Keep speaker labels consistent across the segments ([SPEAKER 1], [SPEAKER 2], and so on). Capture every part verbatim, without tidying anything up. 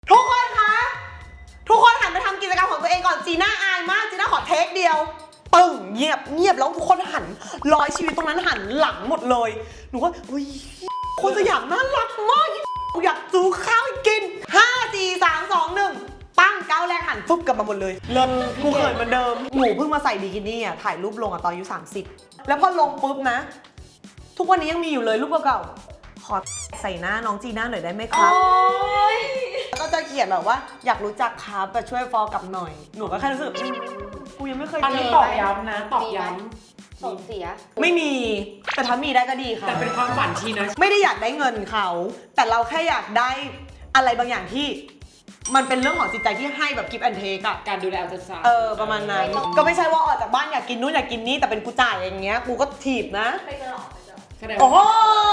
[SPEAKER 1] ทุกคนคะทุกคนหันไปทำกิจกรรมของตัวเองก่อนจีน่าอายมากจีน่าขอเทคเดียวปึ้งเงียบเงียบแล้วทุกคนหันร้อยชีวิตตรงนั้นหันหลังหมดเลยหนูก็อุ้ยคนสยามน่ารักมากกูอยากซื้อข้าวให้กินห้าสี่สามสองหนึ่งปั้งก้าวแรกหันฟึบกลับมาหมดเลยเริ่มกูเขินเหมือนเดิมหนูเพิ่งมาใส่บิกินี่อ่ะถ่ายรูปลงอ่ะตอนอายุสามสิบแล้วพอลงปุ๊บนะทุกวันนี้ยังมีอยู่เลยรูปเก่าๆขอใส่หน้าน้องจีน่าหน่อยได้ไหมครับก็จะเขียนแบบว่าอยากรู้จักครับแต่ช่วยฟอลกลับหน่อยหนูก็แค่รู้สึกกูยังไม่เคย
[SPEAKER 2] อัน
[SPEAKER 1] เจ
[SPEAKER 2] นี้
[SPEAKER 1] อ
[SPEAKER 2] ตอกย้ำนะตอกย้
[SPEAKER 3] ส่งเสีย
[SPEAKER 1] ไม่มีแต่ถ้ามีได้ก็ดี
[SPEAKER 2] ำ
[SPEAKER 1] ค่ะ
[SPEAKER 2] แต่เป็นความฝันชีนะ
[SPEAKER 1] ไม่ได้อยากได้เงินเขาแต่เราแค่อยากได้อะไรบางอย่างที่มันเป็นเรื่องของจิตใจที่ให้แบบกิฟต์แอนเทคอะ
[SPEAKER 2] การดูแลอัลตราซาวด์
[SPEAKER 1] เออประมาณนั้นก็ไม่ใช่ว่าออกจากบ้านอยากกินนู่นอยากกินนี่แต่เป็นกูจ่ายอย่างเงี้ยกูก็ถีบนะ
[SPEAKER 3] ไปเจอหรอไปเจอ
[SPEAKER 2] แสดง
[SPEAKER 1] โอ้โห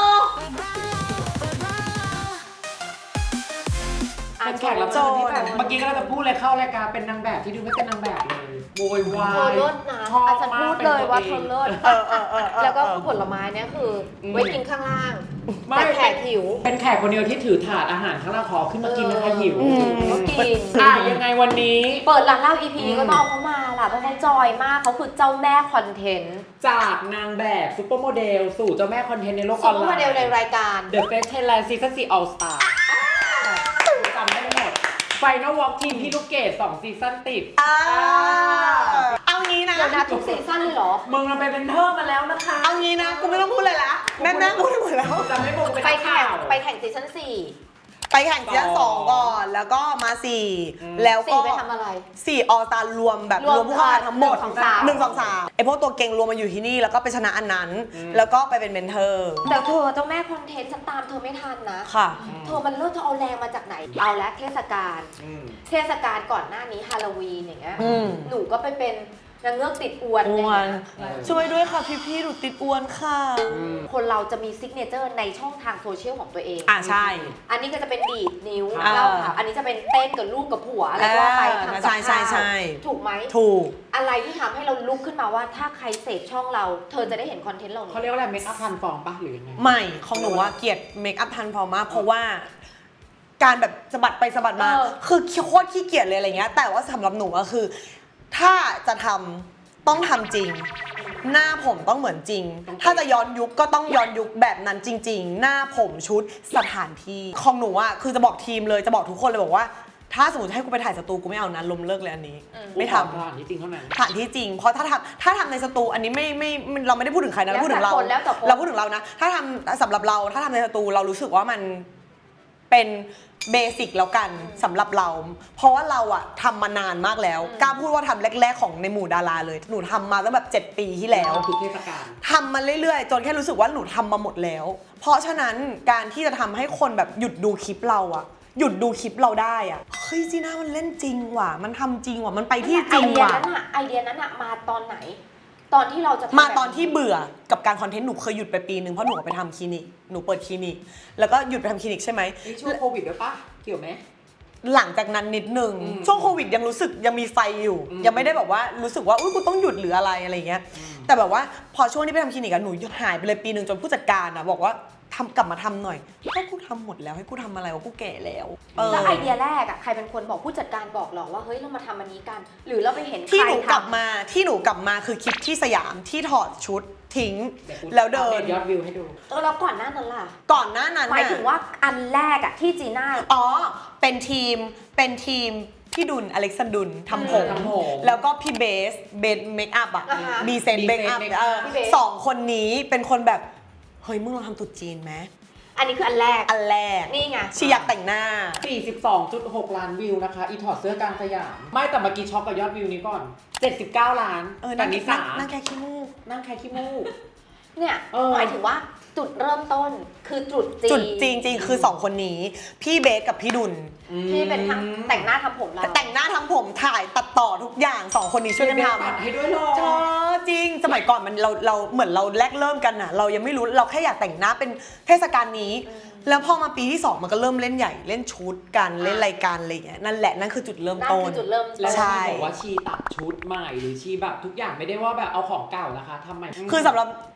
[SPEAKER 2] เป็นแขกรับเชิญที่แบบเมื่อกี้ก็เราจะพูดเลยเข้ารายการเป็นนางแบบที่ดูไม่เป็นนางแบบเลยโวยวา
[SPEAKER 3] เธอย เลิศนะ
[SPEAKER 2] ชอบ
[SPEAKER 3] อาจารย์
[SPEAKER 2] มา
[SPEAKER 3] พู
[SPEAKER 2] ก
[SPEAKER 3] ด
[SPEAKER 2] เป็น
[SPEAKER 3] เลย
[SPEAKER 2] ตัว
[SPEAKER 3] ว่า
[SPEAKER 2] เอ
[SPEAKER 3] เธอง เลิศ
[SPEAKER 1] เออเออเออเออ
[SPEAKER 3] แล้วก็ผลไม้เนี่ยคือไว้กินข้างล่าง
[SPEAKER 2] ไม่
[SPEAKER 3] แต่แขกหิว
[SPEAKER 2] เป็นแขกคนเดียวที่ถือถาดอาหารข้างล่างขอขึ้นมากินนะคะหิว
[SPEAKER 3] ก็กิน
[SPEAKER 2] อ่ะยังไงวันนี้
[SPEAKER 3] เปิดร้านเหล้า อี พี นี้ก็ต้องเอาเขามาล่ะเพราะเขาจอยมากเขาคือเจ้าแม่คอนเทนต์
[SPEAKER 2] จากนางแบบซุปเปอร์โมเดลสู่เจ้าแม่คอนเทนต์ในโลกอ
[SPEAKER 3] ซุ
[SPEAKER 2] อ
[SPEAKER 3] ป
[SPEAKER 2] น
[SPEAKER 3] เปอร์
[SPEAKER 2] ไล
[SPEAKER 3] โม
[SPEAKER 2] น์
[SPEAKER 3] เดลในรายการ
[SPEAKER 2] The Face Thailand Season สี่ All Star จำได้หมด Final Walk ทีมพี่ลูกเกดสองซีซั่นติด
[SPEAKER 1] อ่าเอางี้นะ
[SPEAKER 3] เดี๋ยวนะทุกซีซั่นเลยเหรอ
[SPEAKER 2] มึงเราไปเป็นเทอร์มาแล้วนะคะ
[SPEAKER 1] เอางี้นะกูไม่ต้องพูดเลยละแม่แม่พูดหมดแล้ว
[SPEAKER 2] จำให้มึงเป็น
[SPEAKER 3] ไป
[SPEAKER 2] นัก
[SPEAKER 3] แข่
[SPEAKER 2] ข่าง ว
[SPEAKER 3] ไปแข่งซีซั่นสี่
[SPEAKER 1] ไปแข่งซีซั่นสองก่อนแล้วก็มาสี่
[SPEAKER 2] อืม
[SPEAKER 1] แล้วก็
[SPEAKER 3] สี่ไปทำอะไร
[SPEAKER 1] สี่ออสตารวมแบบ
[SPEAKER 3] รวม
[SPEAKER 1] รวมผู้เข้าแข่งทั้งหมด
[SPEAKER 3] หนึ่งสองสาม
[SPEAKER 1] หนึ่งสองสามไอพวกตัวเก่งรวมมาอยู่ที่นี่แล้วก็ไปชนะอันนั้น แล้วก็ไปเป็นเมนเทอร์
[SPEAKER 3] แต่เธอเจ้าแม่คอนเทนต์ฉันตามเธอไม่ทันนะ
[SPEAKER 1] ค่ะ
[SPEAKER 3] เธอมันเลิศเธอเอาแรงมาจากไหน เอาละเทศกาล
[SPEAKER 2] อืม
[SPEAKER 3] เทศกาลก่อนหน้านี้ฮาโลวีนอย่างเงี้ย
[SPEAKER 1] อืม
[SPEAKER 3] หนูก็ไปเป็นนางเงือกติดอวน
[SPEAKER 1] อ้วน
[SPEAKER 3] อะไรเงี้ย
[SPEAKER 1] ช่วยด้วยค่ะพี่พี่ๆหนูติดอ้วนค่ะ
[SPEAKER 3] คนเราจะมีซิกเนเจอร์ในช่องทางโซเชียลของตัวเอง
[SPEAKER 1] อ่าใช่
[SPEAKER 3] อันนี้ก็จะเป็นดีดนิ้ว
[SPEAKER 1] อ่า
[SPEAKER 3] เล่าข่าวอันนี้จะเป็นเต้นกับลูกกับผัวอะไรก็ว่าไปทำกับ
[SPEAKER 1] ใช่ใช่
[SPEAKER 3] ข้าว
[SPEAKER 1] ใช่
[SPEAKER 3] ถูกไหม
[SPEAKER 1] ถูก
[SPEAKER 3] อะไรที่ทำให้เราลุกขึ้นมาว่าถ้าใครเสพช่องเรา เธอจะได้เห็นคอนเทนต์เรา
[SPEAKER 2] เขาเรียกว่าอะไรเมคอัพทันฟอร์มปะหรือยังไง
[SPEAKER 1] ไม่ของหนูว่าเกลียดเมคอัพทันพอมากเพราะว่า การแบบสะบัดไปสะบัดมา คือโคตรขี้เกียจเลยอะไรเงี้ยแต่ว่าสำหรับหนูก็คือ ถ้าจะทำต้องทำจริง หน้าผมต้องเหมือนจริง ถ้าจะย้อนยุคก็ต้องย้อนยุคแบบนั้นจริง ๆ หน้าผมชุดสถานที่ของหนูอ่ะคือจะบอกทีมเลยจะบอกทุกคนเลยบอกว่า ถ้าสมมติให้กูไปถ่ายสตูกูไม่เอานะล้มเลิกเลยอันนี้ ไม่ทำ
[SPEAKER 2] สถานที่จริงเท่านั้น
[SPEAKER 1] สถานที่จริง เพราะถ้าทำถ้าทำในสตูอันนี้ไม่ไม่ไม่เราไม่ได้พูดถึงใครนะเราพูดถึงเรา
[SPEAKER 3] แล้วแต่คน
[SPEAKER 1] เราพูดถึงเรานะ ถ้าทำสำหรับเราถ้าทำในสตูเรารู้สึกว่ามันเป็นเบสิกแล้วกันสำหรับเรา เพราะว่าเราอะทำมานานมากแล้วกล้าพูดว่าทำแรกๆของในหมู่ดาราเลย หนูทำมาตั้งแบบเจ็ดปีที่แล้ว
[SPEAKER 2] ทุกเทศกาล
[SPEAKER 1] ทำมาเรื่อยๆ จนแค่รู้สึกว่าหนูทำมาหมดแล้ว เพราะฉะนั้นการที่จะทำให้คนแบบหยุดดูคลิปเราอะหยุดดูคลิปเราได้อะเฮ้ยจีน่ามันเล่นจริงว่ะมันทำจริงว่ะมันไปที่จ
[SPEAKER 3] ไอ
[SPEAKER 1] ริง
[SPEAKER 3] เดีย
[SPEAKER 1] ว่ะ
[SPEAKER 3] นั้นอะไอเดียนั้นอะมาตอนไหน ตอนที่เราจะทำ
[SPEAKER 1] มา
[SPEAKER 3] แบบ
[SPEAKER 1] ตอนที่เบื่อกับการคอนเทนต์หนูเคยหยุดไปปีนึงเพราะหนูไปทำคลินิกหนูเปิดคลินิกแล้วก็หยุดไปทำคลินิกใช่ไหม
[SPEAKER 2] นี่ช่วงโควิดด้วยปะเกี่ยวไหม
[SPEAKER 1] หลังจากนั้นนิดนึง
[SPEAKER 2] อืม
[SPEAKER 1] ช่วงโควิดยังรู้สึกยังมีไฟอยู่
[SPEAKER 2] อืม
[SPEAKER 1] ยังไม่ได้แบบว่ารู้สึกว่าอุ้ยกูต้องหยุดหรืออะไรอะไรเงี้ย
[SPEAKER 2] อืม
[SPEAKER 1] แต่แบบว่าพอช่วงที่ไปทำคลินิกอะหนูหายไปเลยปีหนึ่งจนผู้จัดการอะบอกว่าทำกลับมาทำหน่อยก็กูทำหมดแล้วให้กูทำอะไรวะกูแก่แล้วเออ
[SPEAKER 3] แล้วไอเดียแรกอะใครเป็นคนบอกผู้จัดการบอกหรอว่าเฮ้ยเรามาทำอันนี้กัน หรือเราไปเห็น
[SPEAKER 1] ที่
[SPEAKER 3] ใคร
[SPEAKER 1] หนูกลับ
[SPEAKER 3] ทำ
[SPEAKER 1] มาที่หนูกลับมาคือคลิปที่สยามที่ถอดชุดทิ้ง
[SPEAKER 2] เดี๋ยกู
[SPEAKER 1] แล้วเดิน
[SPEAKER 2] อัปยอดวิวให้ดู
[SPEAKER 3] เออแล้วก่อนหน้านั้นล่ะ
[SPEAKER 1] ก่อนหน้านั้น
[SPEAKER 3] หมาย
[SPEAKER 1] น่ะ
[SPEAKER 3] ถึงว่าอันแรกอะที่จีน่า
[SPEAKER 1] อ๋อ เป็นทีม เป็นทีมพี่ดุลอเล็กซานดุลทำผม
[SPEAKER 2] ทำผม
[SPEAKER 1] แล้วก็พี่เบส เบสเมคอัพอะ
[SPEAKER 3] อ่าฮะ
[SPEAKER 1] ดีเซน
[SPEAKER 2] ดี
[SPEAKER 1] เม
[SPEAKER 2] เซน
[SPEAKER 1] คอัพ
[SPEAKER 2] make up
[SPEAKER 1] เออ
[SPEAKER 3] พี่เบส
[SPEAKER 1] สองคนนี้เป็นคนแบบ เฮ้ย มึงลองทำตุ๊ดจีนไหม
[SPEAKER 3] อันนี้คืออันแรก
[SPEAKER 1] อันแรก
[SPEAKER 3] นี่ไง
[SPEAKER 1] ชีอยากแต่งหน้า
[SPEAKER 2] สี่สิบสองจุดหก ล้านวิวนะคะ อีถอดเสื้อกลางสยาม ไม่แต่เมื่อกี้ช็อกกับยอดวิวนี้ก่อน เจ็ดสิบเก้า ล้าน
[SPEAKER 1] เออ
[SPEAKER 2] แต่
[SPEAKER 1] นั่ง
[SPEAKER 2] นิ
[SPEAKER 1] นั่
[SPEAKER 2] สาง
[SPEAKER 1] นั่งแค่ขี้มูก
[SPEAKER 2] นั่งใครขี้มูก
[SPEAKER 3] เนี่ย
[SPEAKER 2] เออ
[SPEAKER 3] หมายถึงว่าจุดเริ่มต้นคือจุดจีน
[SPEAKER 1] จุดจริงจริงๆคือสองคนนี้ พี่เบสกับพี่ดุล
[SPEAKER 3] ที่เป็นทางแต่งหน้าทำผมเรา
[SPEAKER 1] แต่งหน้าทั้งผมถ่ายตัดต่อทุกอย่างสองคนนี้ช่วยกันท
[SPEAKER 2] ตัดให้ด้วยเหรอ
[SPEAKER 1] ำเธอจริง สมัยก่อนมันเราเราเหมือนเราแรกเริ่มกันอะเรายังไม่รู้เราแค่อยากแต่งหน้าเป็นเทศกาลนี้ แล้วพอมาปีที่สองมันก็เริ่มเล่นใหญ่เล่นชุดกันเล่นรายการอะไรอย่างเงี้ยนั่นแหละนั่นคือจุดเริ่ม
[SPEAKER 3] นั่น
[SPEAKER 1] ต้น
[SPEAKER 3] คือจุดเริ่ม
[SPEAKER 2] แล้ว
[SPEAKER 1] ใช่
[SPEAKER 2] ชีบอกว่าชีตัดชุดใหม่หรือชีแบบทุกอย่างไม่ได้ว่าแบบเอาของเก่านะคะทำใหม่
[SPEAKER 1] คือสำหรับ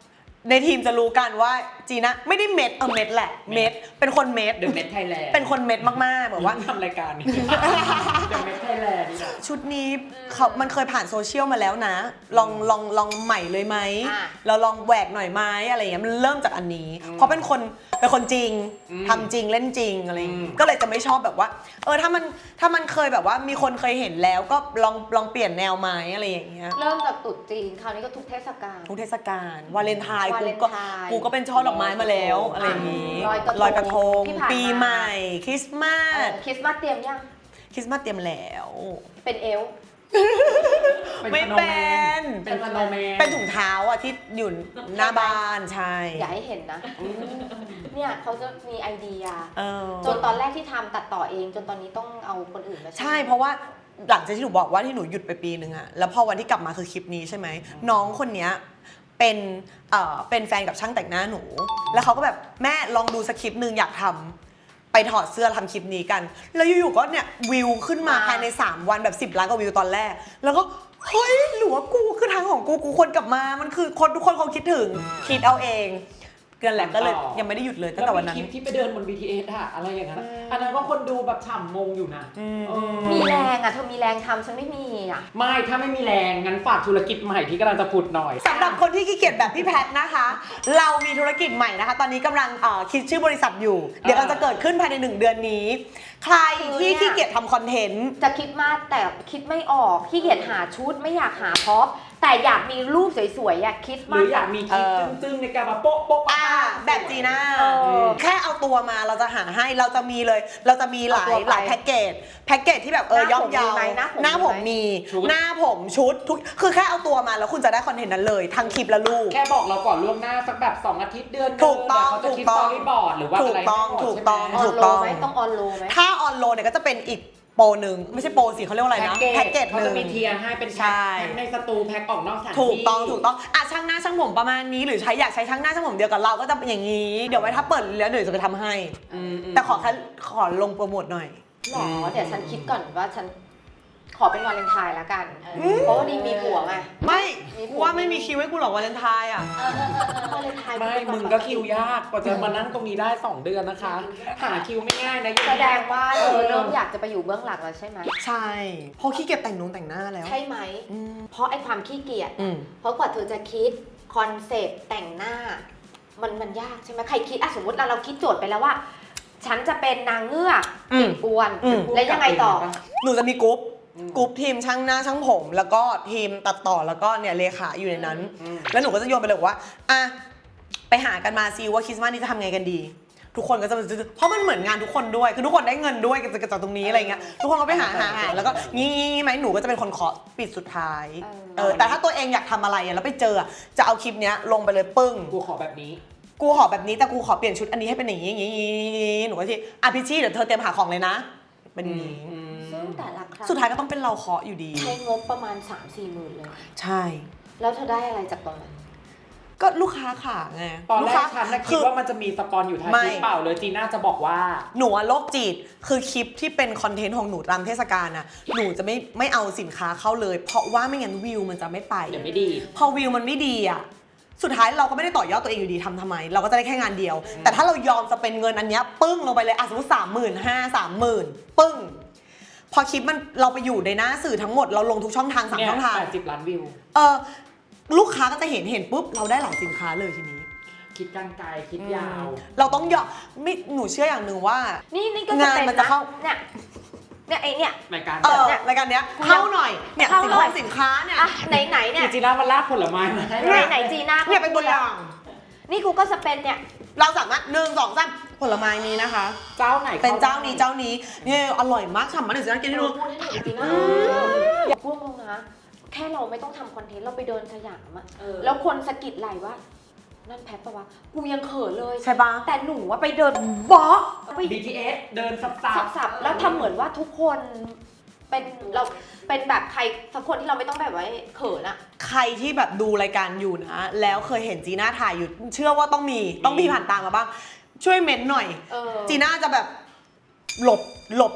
[SPEAKER 1] ในทีมจะรู้กันว่าจีน่าไม่ได้เม็ดเออเม็ดแหละเม็ดเป็นคนเม็ด
[SPEAKER 2] เดอะเมทไทยแลนด์
[SPEAKER 1] เป็นคนเม็ดมากๆแบบว่า
[SPEAKER 2] ทำรายการนี้ เดอะเมทไทยแลนด์นี่แหละ
[SPEAKER 1] ชุดนี้เขามันเคยผ่านโซเชียลมาแล้วนะ ลองลองลองใหม่เลยไหม
[SPEAKER 3] อ่ะ
[SPEAKER 1] เราลองแหวกหน่อยไหมอะไรอย่างเงี้ยมันเริ่มจากอันนี้ เพราะเป็นคนเป็นคนจริง
[SPEAKER 2] อืม
[SPEAKER 1] ทำจริงเล่นจริงอะไรอย่าง
[SPEAKER 2] อื
[SPEAKER 1] งี้
[SPEAKER 2] ม
[SPEAKER 1] ก็เลยจะไม่ชอบแบบว่า เออถ้ามันถ้ามันเคยแบบว่ามีคนเคยเห็นแล้วก็ลองลองเปลี่ยนแนวไหมอะไรอย่างเงี้ย
[SPEAKER 3] เริ่มจากตรุษจีนคราวนี้ก็ทุกเทศกาล
[SPEAKER 1] ทุกเทศกาลวาเลนไทน์
[SPEAKER 3] วา
[SPEAKER 1] กู
[SPEAKER 3] เลน
[SPEAKER 1] ก็
[SPEAKER 3] ไทน์
[SPEAKER 1] กูก็เป็นช่อดอกไม้มาแล้วอะไรอย่างงี้
[SPEAKER 3] ลอยกระทง
[SPEAKER 1] ลอยกระทง
[SPEAKER 3] ที่ผ่านมา
[SPEAKER 1] ปีใหม่ คริสต์มา
[SPEAKER 3] เอ
[SPEAKER 1] ส
[SPEAKER 3] อคริสต์มาสเตรียมยัง
[SPEAKER 1] คริสต์มาสเตรียมแล้ว
[SPEAKER 3] เป็นเอลฟ์
[SPEAKER 1] ไม่เป็น
[SPEAKER 2] เป็นสโนว์แมน
[SPEAKER 1] เป็นถุงเท้าอะที่อยู่หน้าบ้านใช่
[SPEAKER 3] อย่าให้เห็นนะ เนี่ยเขาจะมีไอเดีย
[SPEAKER 1] เออ
[SPEAKER 3] จนตอนแรกที่ทำตัดต่อเอง จนตอนนี้ต้องเอาคนอื่นมาช่วย
[SPEAKER 1] ใช่เพราะว่าหลังจากที่หนูบอกว่าที่หนูหยุดไปปีนึงอะแล้วพอวันที่กลับมาคือคลิปนี้ใช่ไหมน้องคนเนี้ยเป็นเอ่อเป็นแฟนกับช่างแต่งหน้าหนู แล้วเขาก็แบบแม่ลองดูสคริปต์หนึ่งอยากทำไปถอดเสื้อทำคลิปนี้กัน แล้วอยู่ๆก็เนี่ยวิวขึ้นมาภายในสามวันแบบสิบล้านกว่าวิวตอนแรก แล้วก็เฮ้ยหรือว่ากูคือทางของกูกูควรกลับมามันคือคนทุกคนคงคิดถึงคิดเอาเองเกินแหละก็เลยยังไม่ได้หยุดเลยตั้งแต่วันนั้น
[SPEAKER 2] ล้วมีคลิปที่ไปเดินบน บี ที เอส อะอะไรอย่างนั้นอะอันนั้นก็คนดูแบบฉ่ำงงอยู่นะ
[SPEAKER 1] อืม
[SPEAKER 2] เออ
[SPEAKER 3] มีแรงอ่ะเธอมีแรงทำฉันไม่มีอ่ะ
[SPEAKER 2] ไม่ ถ้าไม่มีแรง งั้นฝากธุรกิจใหม่ที่กำลังจะผุดหน่อย
[SPEAKER 1] สำหรับคนที่ขี้เกียจแบบพี่แพทนะคะ เรามีธุรกิจใหม่นะคะ ตอนนี้กำลังเอ่อคิดชื่อบริษัทอยู่ เดี๋ยวเราจะเกิดขึ้นภายในหนึ่งเดือนนี้ ใครที่ขี้เกียจทำคอนเทนต์
[SPEAKER 3] จะคิดมากแต่คิดไม่ออกขี้เกียจหาชุดไม่อยากหาพ็อปแต่อยากมีรูปสวยๆอยากคิด
[SPEAKER 2] ห
[SPEAKER 3] มา
[SPEAKER 2] รื
[SPEAKER 3] ก
[SPEAKER 2] ออยากมีคลิป
[SPEAKER 1] เออ
[SPEAKER 2] จึ้งๆในการมาโป๊ะโป๊ะ
[SPEAKER 1] อ่า
[SPEAKER 2] ปะ
[SPEAKER 1] แบบจีน่า
[SPEAKER 3] เออ
[SPEAKER 1] แค่เอาตัวมาเราจะหาให้เราจะมีเลย เราจะมีหลาย
[SPEAKER 3] เอาตัวไป
[SPEAKER 1] หลายแพ็กเกจแพ็กเกจที่แบบเออย่อมเยาว
[SPEAKER 3] หน้าผมมีไหมห
[SPEAKER 1] ห
[SPEAKER 3] น้า
[SPEAKER 1] น้า
[SPEAKER 3] ผ
[SPEAKER 1] ผม ม
[SPEAKER 3] มี
[SPEAKER 1] มี
[SPEAKER 2] ชุด
[SPEAKER 1] หน้าผมชุดทุกคือแค่เอาตัวมาแล้วคุณจะได้คอนเทนต์นั้นเลย ทั้งคลิปและรูป
[SPEAKER 2] แค่บอกเราก่อนล่วงหน้าสักแบบสองอาทิตย์เดือนหนึ
[SPEAKER 1] ถูกต้อง
[SPEAKER 2] เดี๋ยวเขาจะคิด
[SPEAKER 1] ถูก
[SPEAKER 2] ส
[SPEAKER 1] ต้
[SPEAKER 2] ต
[SPEAKER 1] อ
[SPEAKER 2] อง รี่บอร์ดหรือว่า
[SPEAKER 1] ถู
[SPEAKER 2] อะ
[SPEAKER 1] ก
[SPEAKER 2] ไร
[SPEAKER 1] ต้อง
[SPEAKER 2] ให้หมด
[SPEAKER 1] ถูก
[SPEAKER 2] ใช่ไหม
[SPEAKER 1] ต้อง
[SPEAKER 3] ออน
[SPEAKER 1] ถูก
[SPEAKER 3] โล
[SPEAKER 1] ต้อง
[SPEAKER 3] ไหมต้องออนโลไหม
[SPEAKER 1] ถ้าออนโลเนี่ยก็จะเป็นอีกโปรหนึ่งไม่ใช่โปรสิเขาเรียกว่าอะไรนะ
[SPEAKER 2] แพ็
[SPEAKER 1] แพ็
[SPEAKER 2] ก
[SPEAKER 1] ก
[SPEAKER 2] เก
[SPEAKER 1] เก
[SPEAKER 2] จ
[SPEAKER 1] จ
[SPEAKER 2] เขา
[SPEAKER 1] หนึ่
[SPEAKER 2] จะ
[SPEAKER 1] ง
[SPEAKER 2] มีเทียร์ให้เป็น
[SPEAKER 1] ใช่
[SPEAKER 2] แพ็คแพ็คในสตูแพ็คออกนอกสถานที่
[SPEAKER 1] ถูกต้องถูกต้องอ่ะช่างหน้าช่างผมประมาณนี้หรือใช้อยากใช้ช่างหน้าช่างผมเดียวกับเราก็จะเป็นอย่างนี้ เดี๋ยวไว้ถ้าเปิดแล้วเดี๋ยวจะไปทำให้
[SPEAKER 2] อืมอืม
[SPEAKER 1] แต่ขอแค่ขอลงโปรโมทหน่อย
[SPEAKER 3] หรอเดี๋ยวฉันคิดก่อนว่าฉันขอเป็นวาเลนไทน์แล้วกัน เพราะว่าดีมีผัวไง
[SPEAKER 1] ไม่
[SPEAKER 3] มีผัว
[SPEAKER 1] กูว่าไม่มีคิวให้กูหรอกวาเลนไทน์อ่ะ
[SPEAKER 3] วาเลนไทน์
[SPEAKER 2] ไม่ มึงก็คิวยากกว่าจะมานั่งตรงนี้ได้สองเดือนนะคะ หาคิวไม่ง่ายนะ
[SPEAKER 3] แสดงว่าเธอเริ่มอยากจะไปอยู่เบื้องหลังแล้วใช่ไหม
[SPEAKER 1] ใช่เพราะขี้เกียจแต่งนงแต่งหน้าแล้ว
[SPEAKER 3] ใช่ไหม
[SPEAKER 1] อืม
[SPEAKER 3] เพราะไอ้ความขี้เกียจ
[SPEAKER 1] อืม
[SPEAKER 3] เพราะกว่าเธอจะคิดคอนเซปต์แต่งหน้า มันมันยากใช่ไหมใครคิดอ่ะสมมติเราเราคิดโจทย์ไปแล้วว่า ฉันจะเป็นนางเงือก
[SPEAKER 1] อืม
[SPEAKER 3] อ้วน
[SPEAKER 1] อืม
[SPEAKER 3] แล้วยังไงต่อ
[SPEAKER 1] หนูจะมีกรุ๊ป
[SPEAKER 2] อืม
[SPEAKER 1] กรุ๊ปทีมช่างหน้าช่างผม แล้วก็ทีมตัดต่อแล้วก็เนี่ยเลขาอยู่ในนั้น
[SPEAKER 2] อืม
[SPEAKER 1] แล้วหนูก็จะโยนไปเลยว่าอ่ะไปหากันมาซิว่าคริสต์มาสนี้จะทำไงกันดี ทุกคนก็จะเพราะมันเหมือนงานทุกคนด้วยคือทุกคนได้เงินด้วยกันจากตรงนี้อะไรเงี้ยทุกคนก็ไปหาหาหาแล้วก็งี้ไหมหนูก็จะเป็นคนเคาะปิดสุดท้าย
[SPEAKER 3] เออ
[SPEAKER 1] เออแต่ถ้าตัวเองอยากทำอะไรอะแล้วไปเจออะจะเอาคลิปเนี้ยลงไปเลยปึ้ง
[SPEAKER 2] กูขอแบบนี้
[SPEAKER 1] กูขอแบบนี้แต่กูขอเปลี่ยนชุดอันนี้ให้เป็นอย่างนี้อย่างนี้อย่างนี้หนูก็ที่อ่ะพี่ชี่เดี๋ยวเธอเตรียมหาของเลยนะ เป็นอย่างนี้
[SPEAKER 3] ซึ่งแต่ละครั้ง
[SPEAKER 1] สุดท้ายก็ต้องเป็นเราเคาะอยู่ดี
[SPEAKER 3] ใช้งบประมาณ สามสี่หมื่นเลย
[SPEAKER 1] ใช่
[SPEAKER 3] แล้วเธอได้อะไรจากตรงนั้น
[SPEAKER 1] ก็ลูกค้าขาไง
[SPEAKER 2] ตอน
[SPEAKER 1] ลู
[SPEAKER 2] แร
[SPEAKER 1] ก
[SPEAKER 2] ก
[SPEAKER 1] ค้า
[SPEAKER 2] ฉันน่ะคิ
[SPEAKER 1] คื
[SPEAKER 2] ด
[SPEAKER 1] อ
[SPEAKER 2] ว่ามันจะมีสปอนอยู่ท้าย
[SPEAKER 1] ไม่
[SPEAKER 2] คลิปเปล่าเลยจีน่าจะบอกว่า
[SPEAKER 1] หนูอะโรคจิตคือคลิปที่เป็นคอนเทนต์ของหนูตามเทศกาลน่ะหนูจะไม่ไม่เอาสินค้าเข้าเลย เพราะว่าไม่งั้นวิวมันจะไม่ไป
[SPEAKER 2] เดี๋ยวไม่ดี
[SPEAKER 1] พอวิวมันไม่ดีอ่ะสุดท้ายเราก็ไม่ได้ต่อยอดตัวเองอยู่ดีทำทำไม เราก็จะได้แค่งานเดียว แต่ถ้าเรายอมจะเป็นเงินอันเนี้ยปึ้งลงไปเลยอ่ะสมมติสามหมื่นห้าสามหมื่นปึ้ง พอคลิปมันเราไปอยู่ในหน้าสื่อทั้งหมดเราลงทุกช่องทางสาม
[SPEAKER 2] เนี่ย
[SPEAKER 1] ช่องทาง
[SPEAKER 2] แปดสิบล้านวิว
[SPEAKER 1] เออลูกค้าก็จะเห็นเห็นปุ๊บเราได้หลายสินค้าเลยทีนี้
[SPEAKER 2] คิดกลางไกลคิดยาว
[SPEAKER 1] เราต้องยอมไม่หนูเชื่ออย่างหนึ่งว่า
[SPEAKER 3] นี่นี่ก็
[SPEAKER 1] งาน
[SPEAKER 3] เป็
[SPEAKER 1] มันจะเข้า
[SPEAKER 3] เนี่ยเนี่ยไอเนี่ย
[SPEAKER 2] รายการ
[SPEAKER 1] เออ
[SPEAKER 3] เนี่ย
[SPEAKER 1] รายการเนี้ยเข้าหน่อยเนี่ย
[SPEAKER 3] เข้า
[SPEAKER 1] สิน
[SPEAKER 3] หน่
[SPEAKER 1] ค้า
[SPEAKER 3] อย
[SPEAKER 1] สินค้าเนี่ย
[SPEAKER 3] อ่ะไหนไหนๆเนี่ย
[SPEAKER 2] จีน่ามันลากผลไม้มาให้
[SPEAKER 3] ไหนไหนจีน่า
[SPEAKER 1] เนี่ยเป็นตัวอย่าง
[SPEAKER 3] นี่กูก็สเปนเนี่ย
[SPEAKER 1] เราสามารถหนึ่งสองสามผลไม้นี้นะคะ
[SPEAKER 2] เจ้าไหน
[SPEAKER 1] เป็นเจ้านี้เจ้านี้เนี่ยอร่อยมากฉ่ำมากเดี๋ยวจะกินให้ดู
[SPEAKER 3] พูดให้หน่อยจีน่าอย่าพูดตรงนะ แค่เราไม่ต้องทำคอนเทนต์เราไปเดินสยามอะแล้วคนสะกิดไหลว่า นั่นแพทปะวะ กูยังเขินเลย
[SPEAKER 1] ใช่ปะ
[SPEAKER 3] แต่หนูว่าไปเดินบล็อกไป
[SPEAKER 2] บี ที เอส เดินสับสับ
[SPEAKER 3] สับๆแล้วทำเหมือนว่าทุกคนเป็นเราเป็นแบบใครสักคนที่เราไม่ต้องแบบว่าเขินอะ
[SPEAKER 1] ใครที่แบบดูรายการอยู่นะ แล้วเคยเห็นจีน่าถ่ายอยู่ เชื่อว่าต้องมีต้องมีผ่านตามมาบ้าง ช่วยเม้นหน่อย
[SPEAKER 3] เออ
[SPEAKER 1] จีน่าจะแบบหลบหลบ